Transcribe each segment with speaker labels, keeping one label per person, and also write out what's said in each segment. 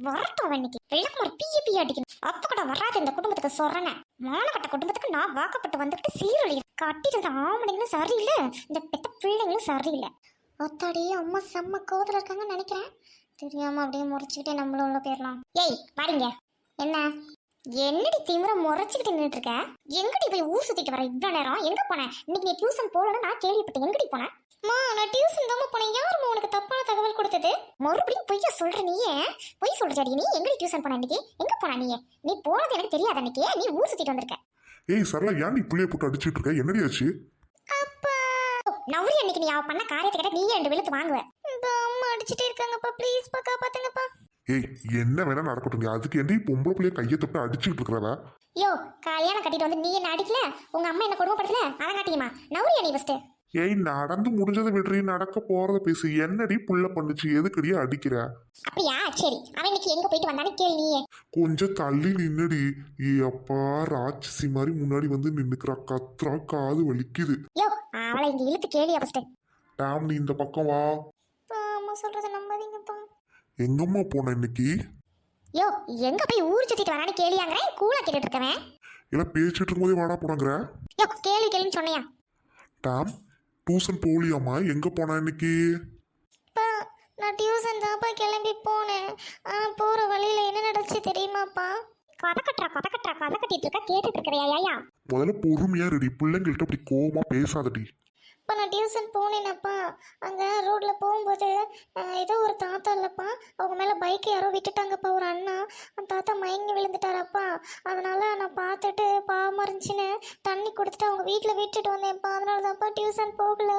Speaker 1: வரட்டும் இன்னைக்கு விளக்குமாறு பிய அடிக்கணும். அப்ப கூட வராது இந்த குடும்பத்துக்கு சொல்றேன். மானகட்ட குடும்பத்துக்கு நான் வாக்கப்பட்டு வந்துட்டு சீரழி கட்டிட்டு ஆம்பளைங்களும் சரியில்லை, இந்த பெத்த பிள்ளைங்களும் சரியில்லை. ஒத்தாடி அம்மா செம்ம கோவத்துல இருக்காங்கன்னு நினைக்கிறேன். தெரியாம அப்படியே முறைச்சுக்கிட்டே நம்மளும் உள்ள போயிடலாம். ஏய் வாடிங்க. என்ன என்னடி திமிர முறைச்சுக்கிட்டு நின்றுட்டு இருக்க? எங்கடி போய் ஊர் சுத்திட்டு வர இவ்வளவு நேரம்? எங்க போனேன்? இன்னைக்கு நீ டியூஷன் போலன்னு நான் கேள்விப்பட்டேன். எங்கடி போனேன்? நான் டியூஷன் தான் போனேன். யாருமா உனக்கு தப்பான தகவல் கொடுத்தது? மறுபடியும் பொய்யா சொல்ற நீயே? பொய் சொல்றடி நீ. எங்கடி டியூஷன் போன இன்னைக்கு? எங்க போன நீ போனது எனக்கு தெரியாது. அன்னைக்கு நீ ஊர் சுத்திட்டு வந்திருக்க.
Speaker 2: ஏய் சரளா, ஏன் நீ புள்ளைய போட்டு அடிச்சிட்டு இருக்க? என்னடி ஆச்சு?
Speaker 1: அப்பா நவரி அன்னைக்கு நீ அவ பண்ண காரியத்தை கேட்ட நீயே 2 வெளுத்து வாங்குவ. அம்மா அடிச்சிட்டே இருக்காங்கப்பா, ப்ளீஸ் பா காப்பாத்துங்கப்பா.
Speaker 2: ஏய் என்ன வேணா நடக்கட்டும், அதுக்கு என்ன பொம்பளை பிள்ளைய கையை தொட்டு அடிச்சுட்டு இருக்கிறவ?
Speaker 1: யோ கல்யாணம் கட்டிட்டு வந்து நீ என்ன அடிக்கல, உங்க அம்மா என்ன கொடுமைப்படுத்தல, அதை காட்டியுமா? நவரியா நீ ஃபர்ஸ்ட்?
Speaker 2: ஏய் நடந்து முடிஞ்சதை விடுறீ, நடக்க போறத பேசு. என்னடி புள்ள பண்ணுச்சு, எதுக்கடியே அடிக்கிற?
Speaker 1: அப்படியா? சரி அவன் இன்னைக்கு எங்க போயிட்டு வந்தானே கேளு நீயே.
Speaker 2: கொஞ்சம் தள்ளி நின்னுடி. ஏ அப்பா, ராட்சசி மாதிரி முன்னாடி வந்து நின்னுக்கிறா, கத்துறா, காது வலிக்குது.
Speaker 1: யோ அவளை இங்க இழுத்து கேளியா ஃபர்ஸ்ட்?
Speaker 2: டாம், நீ இந்த பக்கம் வா.
Speaker 1: அம்மா சொல்றத நம்பாதீங்கப்பா.
Speaker 2: எங்கம்மா போன இன்னைக்கு?
Speaker 1: யோ எங்க போய் ஊர் சுத்திட்டு வரானே கேளியாங்கறேன். கூலா கேட்டுட்டு இருக்கவன்
Speaker 2: இல்ல பேசிட்டு இருக்கும்போதே வாடா போனாங்கிற.
Speaker 1: யோ கேளுன்னு சொன்னையா?
Speaker 2: Tom, tuition போலியாமா? எங்க போனா இன்னைக்கு?
Speaker 1: நான் டியூஷன் தான்ப்பா கிளம்பி போனேன். ஆனா போற வழியில என்ன நடந்துச்சு தெரியுமாப்பா? கதை கட்டிட்டு இருக்கா, கேட்டுட்டு இருக்கிறையா?
Speaker 2: முதல்ல பொறுமையா ரெடி, பிள்ளைங்கள்ட்ட அப்படி கோவமா பேசாதடி.
Speaker 1: இப்போ நான் டியூஷன் போனேனப்பா. அங்கே ரோட்டில் போகும்போது ஏதோ ஒரு தாத்தா இல்லைப்பா, அவங்க மேலே பைக் யாரோ விட்டுட்டாங்கப்பா, ஒரு அண்ணா. அந்த தாத்தா மயங்கி விழுந்துட்டாரப்பா. அதனால நான் பார்த்துட்டு பாவமாக இருந்துச்சுன்னு தண்ணி கொடுத்துட்டு அவங்க வீட்டில் விட்டுட்டு வந்தேன்ப்பா. அதனால தான்ப்பா டியூஷன் போகல.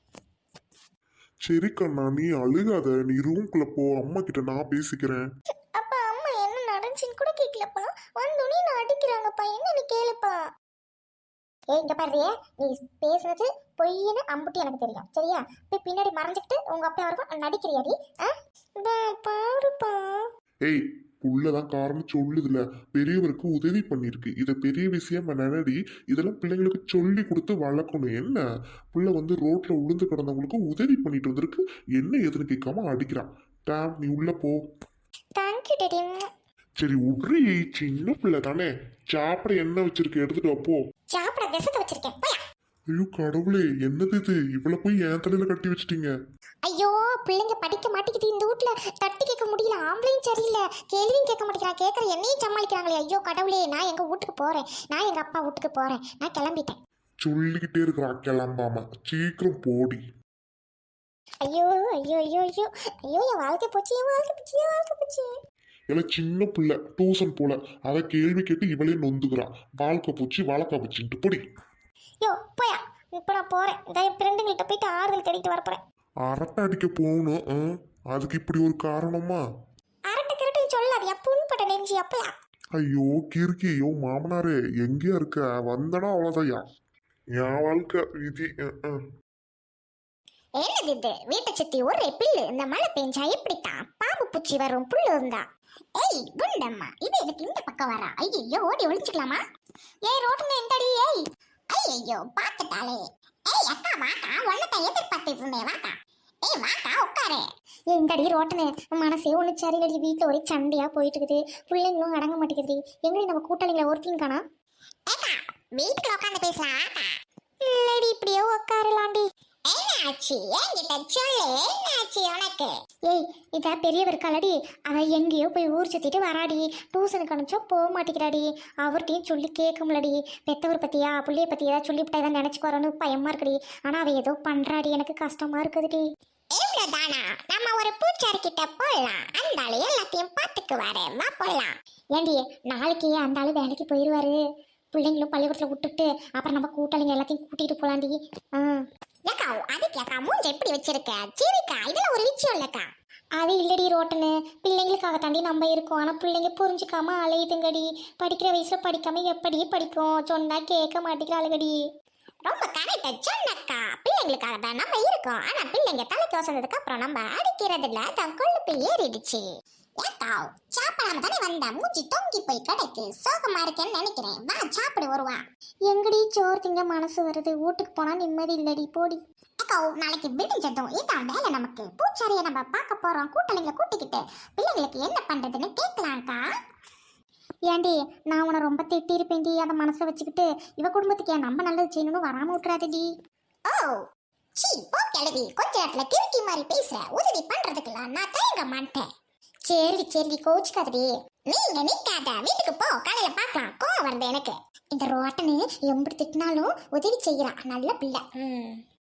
Speaker 2: சரி கண்ணா, நீ அழுகாத, நீ ரூம்குள்ள போ, அம்மா கிட்ட நான் பேசிக்கிறேன்.
Speaker 1: அப்பா அம்மா என்ன நடந்துச்சுன்னு கூட கேட்கலப்பா, வந்தோடனே நான் அடிக்கிறாங்கப்பா. என்னன்னு கேளுப்பா. இங்க பாருறியே, நீ பேசுனது பொய்ன்னு அம்புட்டி எனக்கு தெரியும், சரியா? போய் பின்னாடி மறைஞ்சிக்கிட்டு உங்க அப்பா வரைக்கும் நடிக்கிறியாடி? பாருப்பா.
Speaker 2: ஏய் புள்ளதான் காரணம் சொல்லுதுல, பெரியவருக்கு உதவி பண்ணிருக்கு, இதை பெரிய விஷயம் நினைடி. இதெல்லாம் பிள்ளைங்களுக்கு சொல்லி கொடுத்து வளர்க்கணும். என்ன புள்ள வந்து ரோட்ல உளுந்து கிடந்தவங்களுக்கு உதவி பண்ணிட்டு வந்திருக்கு, என்ன எதுன்னு கேட்காம அடிக்கிறான். டாம், நீ உள்ள போ.
Speaker 1: Thank you daddy.
Speaker 2: சரி உட்ரி, சின்ன பிள்ளை தானே. சாப்பிட என்ன வச்சிருக்க, எடுத்துட்டு அப்போ.
Speaker 1: சாப்பிட விஷத்தை வச்சிருக்கேன்.
Speaker 2: ஐயோ கடவுளே, என்னது இது? இவ்வளவு போய் என் தலையில கட்டி வச்சிட்டீங்க.
Speaker 1: ஐயோ பிள்ளைங்க படிக்க மாட்டேங்குது இந்த வீட்ல, தட்டி கேட்க முடியல. ஆம்பளையும் சரியில்லை, கேள்வியும் கேட்க மாட்டேங்கிறா, கேட்கற என்னையும் சமாளிக்கிறாங்களே. ஐயோ கடவுளே, நான் எங்க வீட்டுக்கு போறேன், நான் எங்க அப்பா வீட்டுக்கு போறேன், நான் கிளம்பிட்டேன்.
Speaker 2: சொல்லிக்கிட்டே இருக்கிறா கிளம்பாம, சீக்கிரம் போடி.
Speaker 1: ஐயோ ஐயோ ஐயோ ஐயோ ஐயோ, என் வாழ்க்கை போச்சு, என் வாழ்க்கை போச்சு, என் வாழ்க்கை போச்சு.
Speaker 2: எல்லாம் சின்ன பிள்ளை டியூஷன் போல, அதை கேள்வி கேட்டு இவளே நொந்துக்கிறான். வாழ்க்கை போச்சுன்ட்டு பொடி.
Speaker 1: யோ போயா, இப்போ நான் போறேன். என் ஃப்ரெண்டுங்கள்ட்ட போயிட்டு ஆறுதல் தேடிட்டு வர போறேன்.
Speaker 2: அரட்டை அடிக்க போகணும், அதுக்கு இப்படி ஒரு காரணமா?
Speaker 1: அரட்டை கிரட்டையும் சொல்லாதியா, புண்பட்ட நெஞ்சு அப்பயா.
Speaker 2: ஐயோ கிறுக்கி, ஐயோ மாமனாரே எங்கேயா இருக்க? வந்தனா அவ்வளோதையா, என் வாழ்க்கை விதி.
Speaker 1: என்னது இது? வீட்டை சுத்தி ஒரே புல்லு, இந்த மழை பெஞ்சா எப்படித்தான் பாம்பு பூச்சி வரும் புல்லு இருந்தா? ஏய் குண்டம்மா, இது எதுக்கு இந்த பக்கம் வரா? ஐயோ ஓடி ஒளிஞ்சுக்கலாமா? ஏய் ரோட்டுன்னு எந்தடி? ஏய் ஐயோ பாத்துட்டாலே. ஏய் அக்கா வாக்கா, ஒன்னதான் எதிர்பார்த்துட்டு இருந்தேன், வாக்கா. ஏய் வாக்கா உட்காரு. எங்கடி ரோட்டுன்னு? மனசே ஒண்ணு சரியில்லடி, வீட்டுல ஒரே சண்டையா போயிட்டு இருக்குது, பிள்ளைங்களும் அடங்க மாட்டேங்குது. எங்கடி நம்ம கூட்டாளிங்களை ஒருத்தையும் காணா? ஏக்கா வீட்டுக்குள்ள உட்காந்து பேசலாம் வாக்கா. இல்லடி இப்படியே உட்காரலாண்டி. என்னாச்சு என்கிட்ட சொல்லு, என்னாச்சு உனக்கு? ஏய் இதா பெரியவர் கலடி, அவ எங்கேயோ போய் ஊர் சுத்திட்டு வராடி, டியூஷனுக்கு அனுப்பிச்சா போக மாட்டேங்கிறாடி. அவர்கிட்டையும் சொல்லி கேட்க முடியலடி. பெத்தவர் பத்தியா பிள்ளைய பத்தி ஏதாவது சொல்லிவிட்டா ஏதாவது நினைச்சுக்கோறோன்னு பயமா இருக்குடி. ஆனா அவ ஏதோ பண்றாடி, எனக்கு கஷ்டமா இருக்குதுடி. இவ்வளவுதானா? நம்ம ஒரு பூச்சாரி கிட்ட போடலாம், அந்த ஆளு எல்லாத்தையும் பாத்துக்குவாரு, வா போடலாம். ஏண்டி நாளைக்கு அந்த ஆளு வேலைக்கு போயிடுவாரு, பிள்ளைங்களும் பள்ளிக்கூடத்துல விட்டுட்டு அப்புறம் நம்ம கூட்டாளிங்க எல்லாத்தையும் கூட்டிட்டு போலாண்டி. ஏக்கா அதுக்கு ஏக்கா மூஞ்ச எப்படி வச்சிருக்க? சரிக்கா இதெல்லாம் ஒரு விஷயம் இல்லக்கா. அது இல்லடி ரோட்டனு, பிள்ளைங்களுக்காக தாண்டி நம்ம இருக்கோம். ஆனா பிள்ளைங்க புரிஞ்சுக்காம அலையுதுங்கடி. படிக்கிற வயசுல படிக்காம எப்படி படிக்கும்? சொன்னா கேட்க மாட்டேங்கிற அழுகடி. ரொம்ப கரெக்டா சொன்னக்கா, பிள்ளைங்களுக்காக தான் நம்ம இருக்கோம். ஆனா பிள்ளைங்க தலைக்கு வசந்ததுக்கு அப்புறம் நம்ம அடிக்கிறதுல தான் கொழுப்பு ஏறிடுச்சு. ஏக்கா சாப்பிடாம தானே வந்தா, மூச்சு தொங்கி போய் கிடைக்கு, சோகமா இருக்கேன்னு நினைக்கிறேன், வா சாப்பிடு வருவா. எங்கடி சோறு திங்க மனசு வருது, வீட்டுக்கு போனா நிம்மதி இல்லடி, போடி. அக்கா நாளைக்கு விடிஞ்சதும் இதான் வேலை நமக்கு. பூச்சாரியை நம்ம பார்க்க போறோம். கூட்டணிகளை கூட்டிக்கிட்டு பிள்ளைங்களுக்கு என்ன பண்றதுன்னு கேட்கலாம்க்கா. ஏண்டி நான் உன்னை ரொம்ப திட்டிருப்பேன்டி, அதை மனசுல வச்சுக்கிட்டு இவ குடும்பத்துக்கு ஏன் நம்ம நல்லது செய்யணும்னு வராம விட்டுறாதடி. ஓ சீ போ கிளவி, கொஞ்ச நேரத்துல கிறுக்கி மாதிரி பேசுற. உதவி பண்றதுக்கெல்லாம் நான் தயங்க மாட்டேன். சரி சரி கோச்சுக்காதடி. நீங்க நிக்காத, வீட்டுக்கு போ, காலையில பார்க்கலாம். கோவம் வருது எனக்கு. இந்த ரோட்டனு எப்படி திட்டினாலும் உதவி செய்யறா, நல்ல பிள்ளை.